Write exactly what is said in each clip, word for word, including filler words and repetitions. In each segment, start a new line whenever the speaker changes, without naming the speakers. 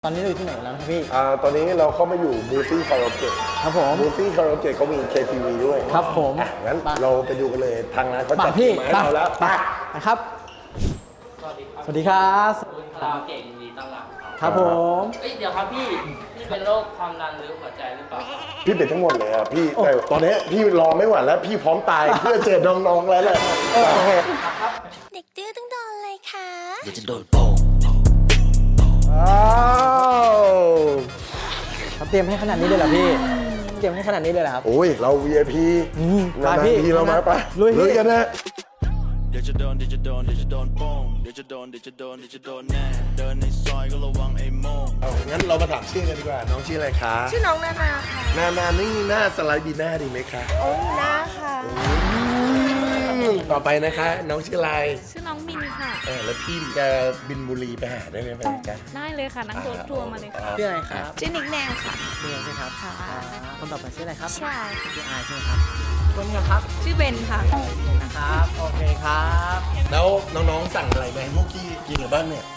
ตอนนี้เราอยู่ที่ไหนแล้วครับพี่
อ่าตอนนี้เราเข้ามาอยู่บูซี่คาราโอเกะ
ครับผม
บูซี่คาราโอเกะเขามี เค ที วี ด้วย
ครับผม
อ่ะงั้นเราไปดูกันเลยทางร้านเขาจัด
พี่
มาให้เราแล้วไป
นะครับ
สวัสดีครับ
สวัสดีครับ
คาราโอเกะยินดีต้อนรับครับ
ครับผม
เอ้ยเดี๋ยวครับพี่พี่เป็นโรคความดันหรือหัวใจหรือเปล่า
พี่เป็นทั้งหมดเลยอ่ะพี่แต่ตอนนี้พี่รอไม่ไหวแล้วพี่พร้อมตาย เพื่อเจอน้องๆแล้วแหละ
เด็กดื้อต้องโดนเลยค่ะ
เดี๋ยวจะโดนโป่ง
อ้าวเขาเตรียมให้ขนาดนี้เลยเหรอพี่เตรียมให้ขนาดนี้เลยเหรอครับ
โอ้ยเรา วี ไอ พี
อืม
นาน
ไปพี่
ๆทีเรามาไป
ลุยพี่
กันนะ
เดี๋ยวจะโดนเดี๋ยวจะโดนเดี๋ยวจะโดนโป่งเดี๋ยวจะโดนเดี๋ยวจะโดนเดี๋ยวจะโดนแน่เดินในซอยก็ระวังไอ้โม่ง
เอางั้นเรามาถามชื่อกันดีกว่าน้องชื่ออะไรคะ
ชื่อน้องนานาค่ะ
นานานี่หน้าสไลด์บีหน้าดีไหมคะ
โอ้ยนาค่ะ
อืมต่อไปนะคะน้องชื่ออะไร
ชื่อน้องมินค่ะ
เออแล้วพี่จะบินบุรีไปหาได้ไหมไปจ๊ะ
ได้เลยค่ะ นั่งรถทัวร์มาเลยค่ะ
ชื่ออะไรครับ
ชื่อนิกแนนค่ะ
เมียใช่ครับค่ะคนต่อไปชื่ออะไรครับ
ใช่
ชื่ออายใช่ไหมครับคนนี้ครับ
ชื่อเบนค่ะ
นะครับโอเคครับ
แล้วน้องๆสั่งอะไรมาให้พวกกี้กินหรือบ้างเนี่ย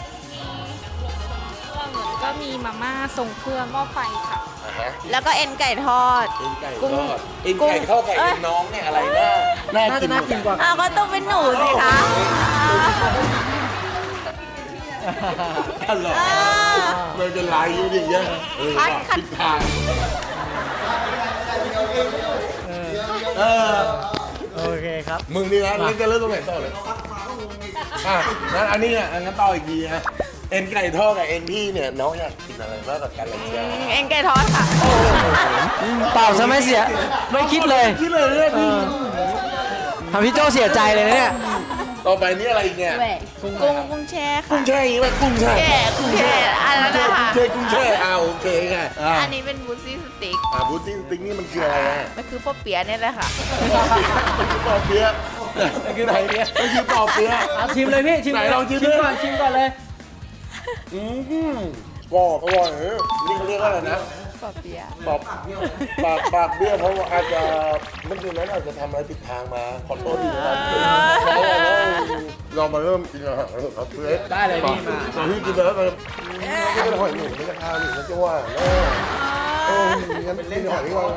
ก็มีมาม่าทรงเครื่องหม้อไฟค่ะ
อ่าฮะ
แล้วก็เอ็นไก่ทอด
เอ็นไก่
กุ้ง
ทอดเอ็นไก่ทอดไก่
เอ้
เอ็
ย
นน้องเนี่ยอะไรน่าน่า
น่า
กิ
จะ
น
น่ากินกว่า
อ้าวก็ต้องเป็นหนูสิคะ
อร่อย
อ่า
มันจะลายอยู่อย่างเงี้ยเออ
คัดคัด
ผิดทางเออ
โอเคครับ
มึงนี่นะเล่นจะเริ่มตรงไหนต่อเลยอ่ะงั้นอันนี้อ่ะงั้นต่ออีกทีฮะเอ็นไก่ทอดกับเอ็นพี่เนี่ยน้องอยากกินอะไรมากกว่ากันเลยจ้า
เอ็นไก่ทอดค่ะ
เปล่าซะไม่เสียไม่คิดเลย
คิดเลยเนี่ยพี่
ทำพี่โจเสียใจเลยนะเนี่ย
ต่อไปนี่อะไรอีกเนี่ย
กุ้งกุ้งแช่ค่ะ
กุ้งแช่อย่างงี้ป่ะกุ้งแช่
แช่กุ้งแช่อันนั้นนะคะ
กุ้งแช่กุ้งแช่อ่าโอเคค่ะอ่า
อันนี้เป็นบูซี่สติ๊ก
อ่าบูตี้สติ๊กนี่มันคืออะไรอ่ะ
มันคือพ่อเปี๊ยะเนี่ยแหละค่ะ
ปอเปี๊ยะมันคือไหนเนี่ยมันคือปอเปี๊ยะ
เอาชิมเลยพี่ชิม
ไหนลองชิม
ชิม
ดิ
ก่อนชิมก่อนเลย
อืมปอกอร่อยเออนี่เขาเรียกว่าอะไรนะ
พ่อเปี๊ยะ
ปอกปากปากเบี้ยเพราะว่าอาจจะเมื่อคืนนั้นอาจจะทำอะไรผิดทางมาขอโทษทีนะครับเรามาเริ่มกินอาหารกันเถอะครับเพื่อน
ได้เลยพี่มา
ตอนที่กินแล้วมันไม่เป็นหอยหนุ่มไม่ใช่ข้าวหนุ่มมันจะว่าเออเอองั้นกินหอยดีกว่า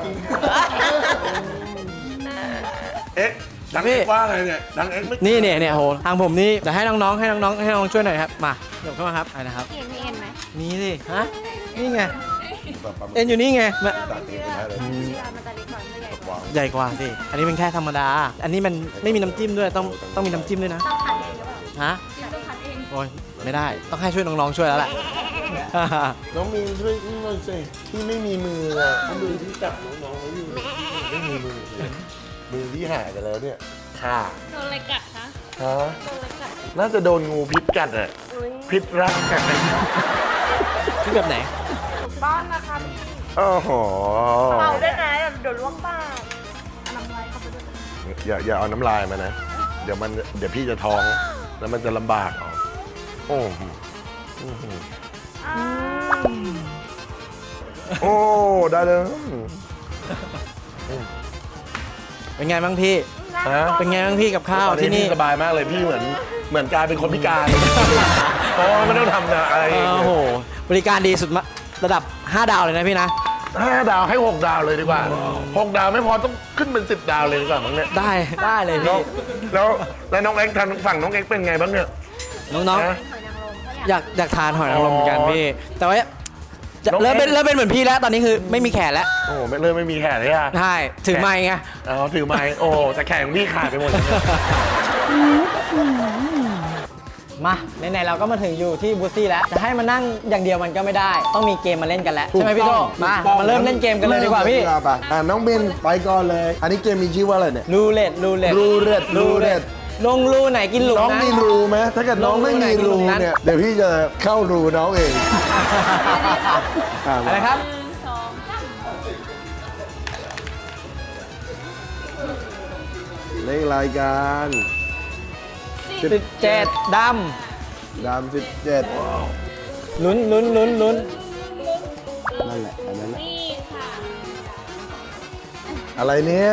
เอ๊ะดังเอ็กว่าอะไรเนี่ยดังเอ็กไม่
นี่เนี่ยเนี่ยโหทางผมนี่จะให้น้องๆให้น้องๆให้น้องช่วยหน่อยครับมาเดี๋ยวเข้ามาครับอะไรนะครับ
เห็นมีเอ็นไหม
มีสิฮะนี่ไงเอ็นอยู่นี่ไงมา
ตัดเองไปได้เลย
มันจะเล็กกว่าไม่ใหญ่กว่า
ใหญ่กว่าสิอันนี้เป็นแค่ธรรมดา อันนี้มันไม่มีน้ำจิ้มด้วยต้องต้องมีน้ำจิ้มด้วยนะฮะโอ้ยไม่ได้ต้องให้ช่วยน้องๆช่วยแล้วแหละ
น้องมีนช่วยหน่อยสิพี่ไม่มีมืออ่ะมือที่จับน้องๆไว้อยู่ไม่มีมือเลยมือที่หายไปแล้วเนี่ยค่ะ
โดนอะไรกัดคะ
ฮะน่าจะโดนงูพิษกัดอ่ะพิษรักกัดอะไร
ชื่อแบบไหน
บ้านนะคะ
โอ้โห
เป่าด้วยนะเดี๋ยวล้วงปาก
อย่าอย่าเอาน้ำลายมานะ เดี๋ยวมันเดี๋ยวพี่จะท้องแล้วมันจะลำบากเอาโอ้โหอื้อหือโอ้ได้เลย
เป็นไงบ้างพี่
ฮะ
เป็นไงบ้างพี่กับข้าวที่นี่
สบายมากเลยพี่เหมือนเหมือนกลายเป็นคนพิการเพราะว่าไม่ต้องทำอะไร
โอ้โหบริการดีสุดมะระดับห้าดาวเลยนะพี่นะ
ห้าดาวให้หกดาวเลยดีกว่าหกดาวไม่พอต้องขึ้นเป็นสิบดาวเลยดีกว่ามั้งเนี่ย
ได้ได้เลย
แล้
พี่
วแล้วแล้วน้องเอ็กซ์ทางฝั่งน้องเอ็กซ์เป็นไงบ้างเนี่ย
น้อง
นะ
ๆอยากอยากทานหอยนางรมเหมือนกัน
อ๋อ
พี่ แต่ว่าจะ
น้อง
เริ่มเป็น
เอ็กซ์
เริ่มเป็นเหมือนพี่แล้วตอนนี้คือไม่มีแขนแล้ว
โอ้โหไม่เริ่มไม่มีแขนเลยอ่ะ
ใช่ถือไม้ไง
อ๋อถือไม้โอ้แต่แขนของพี่ขาดไปหมดเลยเนี่ย
มาไหนๆเราก็มาถึงอยู่ที่บูซี่แล้วจะให้มานั่งอย่างเดียวมันก็ไม่ได้ ต้องมีเกมมาเล่นกันแล้วใช่ไหมพี่โตมามาเริ่มเล่นเกมกันเลยดีกว่าพี่
อ่ะน้องเบนไปก่อนเลย อันนี้เกมมีชื่อว่าอะไรเนี่ย
รูเล็ตรูเล็ต
รูเล็ตรูเล็ต
ลงรูไหนกินหลุม
น้อง
นะ
มีรูไหมถ้าเกิดน้องไม่มีรู
ลงรูไหน
เนี่ยเดี๋ยวพี่จะเข้ารูน้องเองอ่ะ
อะไรครับ
เลขรายการ
สิบเจ็ดด
ดามสิบเจ็ด
ำลุ้นลุ้นลุ้นลุ้น
นั่นแหละอันนั้นแหละอะไรเนี่ย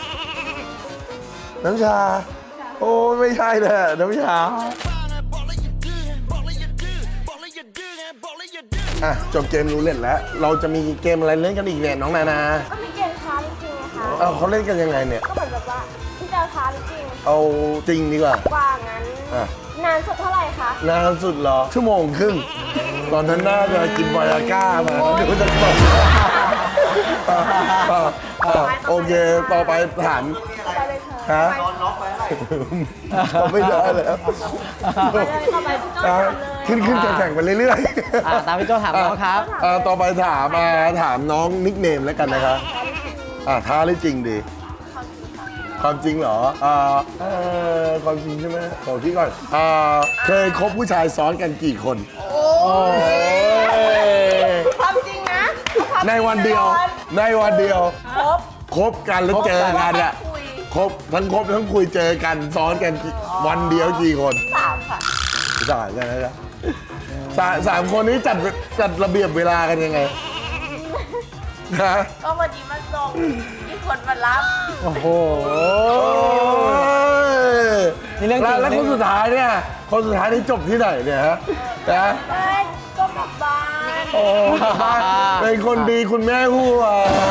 น้ำชา โอ้ไม่ใช่เลยน้ำชาอ่ะจบเกมรูเล็ตแล้ว เราจะมีเกมอะไรเล่นกันอีกเนี่ยน้องนานา
ก็มีเกมท้าจริงๆนะคะ
เอ้าเขาเล่นกันยังไงเนี่ย
ก็เหมือนแบบว่าที่จะท้าจริง
เอาจริงดีกว่า
กว่างั้น
อ่ะ
นานสุดเท่าไหร่คะ
นานสุดเหรอ ชั่วโมงครึ่ง ตอนนั้นน่าจะกินไวอาก้ามาดูจะตกอ่ะอ่ะอ่ะโอเค ต่อไปถาม
ไปเลยเธอ
ฮะเราไม่ได้แล้ว
ไปเลยเข้าไปพี่โจ้
อ่ะ
ถามเลย
ขึ้นขึ้นแข่งๆไปเรื่อย
อ่ะตามพี่โจ้ถามน้องครับ
อ่ะต่อไปถามอ่ะถามน้องนิกเนมแล้วกันนะครับอ่ะท้าหรือจริงดี ความจริงเหรอ อ่าเอ่อความจริงใช่ไหมขอที่ก่อน อ่า เคยคบผู้ชายซ้อนกันกี่คน
โอ้ย
ความจริงนะความจริง
ในวันเดียว ในวันเดียว
ครบ
คบกันแล้วเจอกันอะ
คุย
คบทั้งคบทั้งคุยเจอกันซ้อนกันกี่วันเดียวกี่คน
สามค่ะ
สามกันนะครับสามสามคนนี้จัดจัดระเบียบเวลากันยังไงฮะ
ก็วันนี้มาส่งมีคนมารับ
โอ้โห
โอ้ย
นี่เรื่องจริง
แล้วแล้วคนสุดท้ายเนี่ย คนสุดท้ายนี่จบที่ไหนเนี่ยฮะนะ
ไม่ก็กลับบ้าน
โอ้บ้านเป็นคนดีคุณแม่หัว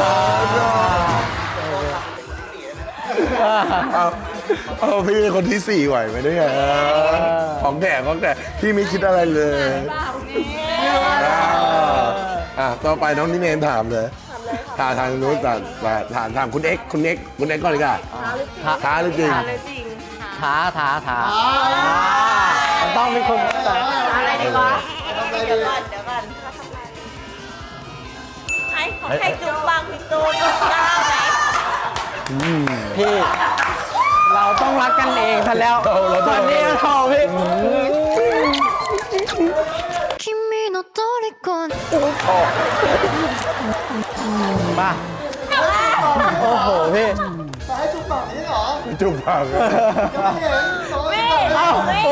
เอาเอาพี่เป็นคนที่สี่ไหวไหมเนี่ยของแก่ของแก่พี่ไม่คิดอะไรเลยอ่าอ่ะต่อไปน้องนิเนนถามเลยถามทางนู้นถามถามถามคุณเอ็กซ์คุณเอ็กซ์คุณเอ็กซ์ก่อนเลยค่ะท้าหรือจริง
เลยจริง
ท้าท้าท้ามันต้องมีคน
อะไรดีวะเดี๋ยวก่อนเดี๋ยวก่อนให้ของใครจุ๊บบางพี่ตูนกล้าไหม
พี่ เราต้องรักกันเองทันแล้ว
เราเราต้อง
ตอนนี้เราพี่
君の虜に
มาโอ้โหพี่
จุบปากเลย
วิ่งเอ้าวิ่ง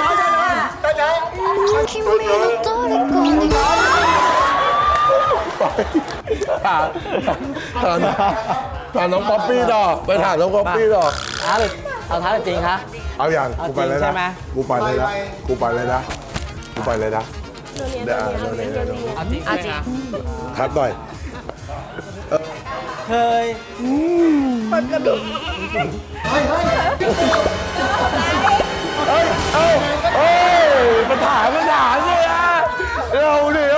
君の虜に
ถามถามถามน้องป๊อปปี้ต่อไปถามน้องป๊อปปี้ต่อ
ท้าหรือเอาท้าหรือจริงคะ
เอาอย่าง
เอา
กูไปเลย
จริงใช่
นะ
ไหม
กูไปเลยนะกูไปเลยนะกูไปเลยนะเดี๋ยวอ่านเดี๋ยวเดี๋ยวเดี๋ยว
เอาจริงเอาจริง
ครับหน่อย
เคย
เอ้ยเอ้ยเอ้ยปัญหาปัญหาเนี่ยนะเราเนี่ย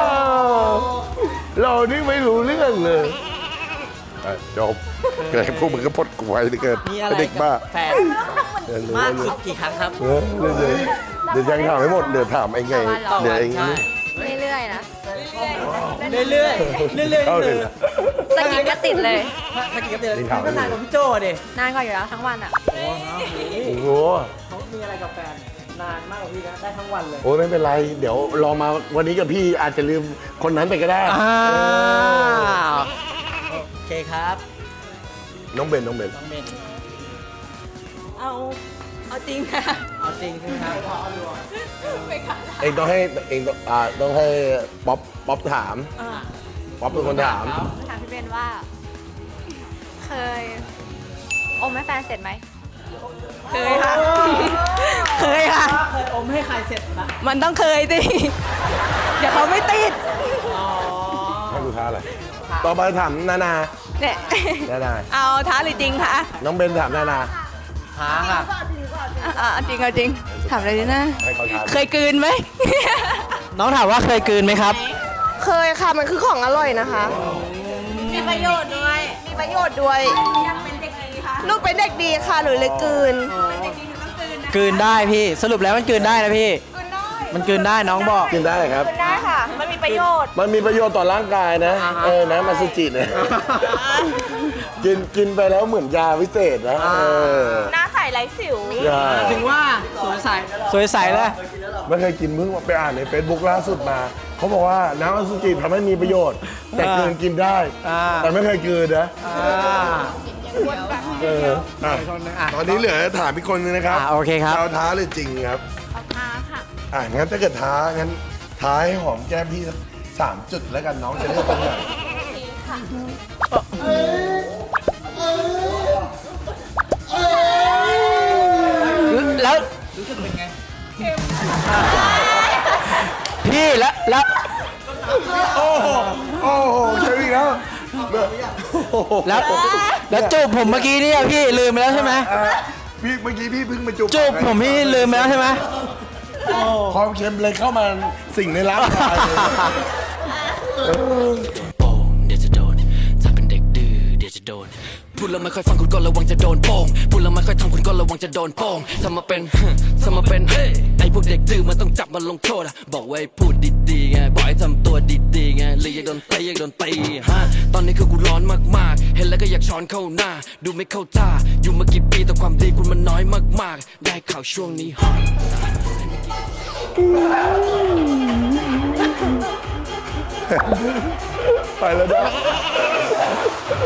เรานี่ไม่รู้เรื่องเลยอ่ะจบเกิดพวกมึงก็พดกูไว้ที่เกิด
มีอะไร
เด็กบ้า
บแฟน
เดี๋ยวรู้
มาก
ว่า
สุดกี่ครั้งครับ
เออเดี๋ยวเดี๋ยวเดี๋ยวยังถามไม่หมดเดี๋ยวถามเองไงเดี๋ยวเอง
ใช่
เรื่อยๆนะ
เรื่อยๆเรื่อยๆเรื่อยๆ
เข้า
นี่
เล
คื
ย
อ
สกิดก็ติดเลย
ถ้ากี่กับเดือน
นี่ถาม
ก็นานกว่าพี่โจ้ดิ
นานกว่าอยู่แล้วทั้งวันอ่ะ
โอ้โห
โอ้โห
เขามีอะไรกับแฟนนานมากกว่าพี่นะได้ทั้งวันเลย
โอ้ยไม่เป็นไร เดี๋ยวรอมาวันนี้กับพี่อาจจะลืมคนนั้นไปก็ได้
อ้า
เออ
วโอเคครับ
น้องเบนน้องเบน
น้องเบน
เอา เอาจริงค่ะ
เอาจริงใช่ไหมครับ
เองต้องให้เองต้องอ่าต้องให้ป๊อปป๊อปถาม
อ่า
ป๊อปเป็นคนถาม
ถามพี่เบนว่า เคยอมให้แฟนเสร็จไหม เคยค่ะ เคยค่ะ
เคยอมให้ใครเสร็จนะ
มันต้องเคยดิ เดี๋ยวเขาไม่ติด
อ๋อ
ให้ดูท้าอะไรต่อไปถามนานา
เนี่ย
นานา
เอาท้าหรือจริงคะ
น้องเบนถามนานา
ท้าค่ะ
อ่าจริงเอาจริง ถามเลยดินะ
ให้เขาถาม
เคยกลืนไหม
น้องถามว่าเคยกลืนไหมครับ
เคยค่ะ มันคือของอร่อยนะคะ
มีประโยชน์ด้วย
มีประโยชน์ด้วยลูกเป็นเด็กดีค่ะ หรือเลยกลืน
กลืนได้พี่ สรุปแล้วมันกลืนได้นะพี่ มันกลืนได้น้องบอก
กินได้ครับ
ได้ค่ะ มันมีประโยชน์
มันมีประโยชน์ต่อร่างกายนะ
อ่าฮะ
เออนะมาสจิเนี่ยกินกินไปแล้วเหมือนยาวิเศษนะเออ
หน้าใสไร้สิว
ใช่
ถึงว่าสวยใสสวยใสเลย
ไม่เคยกินเพิ่งไปอ่านใน Facebook ล่าสุดมา เขาบอกว่าน้ำอสุจิทำให้มีประโยชน์ แต่กลืนกินได้
อ่า
แต่ไม่เคยกลืนนะ
อ่า
เอออ่ะ
อ่ะ
ตอนนี้เหลือถามอีกคนนึงนะครับ
อ่าโอเคครับ
เราท้าหรือจริงครับ
เอาท้าค่ะ
อ่ะงั้นถ้าเกิดท้างั้นท้าให้หอมแก้มพี่สักสามจุดแล้วกันน้องจะเลือกตรงไหน
แล้วรู้สึกเป็นไงพี่แล้วแล้วแล้วแล้วจูบผมเมื่อกี้เนี่ยพี่ลืมไปแล้วใช่ไหม
อ่ะพี่เมื่อกี้พี่เพิ่งมาจูบ
จูบผมพี่ลืมไปแล้วใช่ไหม
ความเค็มเลยเข้ามาสิ่งในร่างกายเลย
โป่งเดี๋ยวจะโดนถ้าเป็นเด็กดื้อเดี๋ยวจะโดนพูดแล้วไม่ค่อยฟังคุณก็ระวังจะโดนโป่งพูดแล้วไม่ค่อยทำคุณก็ระวังจะโดนโป่งทำมาเป็นทำมาเป็นเฮ้ยไอพวกเด็กดื้อมันต้องจับมันลงโทษอะบอกไว้พูดดีๆไงบอกให้ทำตัวดีๆไงเลยอยากโดนตีอยากโดนตีฮะตอนนี้คือกูร้อนมากๆเห็นแล้วก็อยากช้อนเข้าหน้าดูไม่เข้าท่าอยู่มากี่ปีแต่ความดีคุณมันน้อยมากๆได้ข่าวช่วงนี้ฮอต
ไปแล้วนะ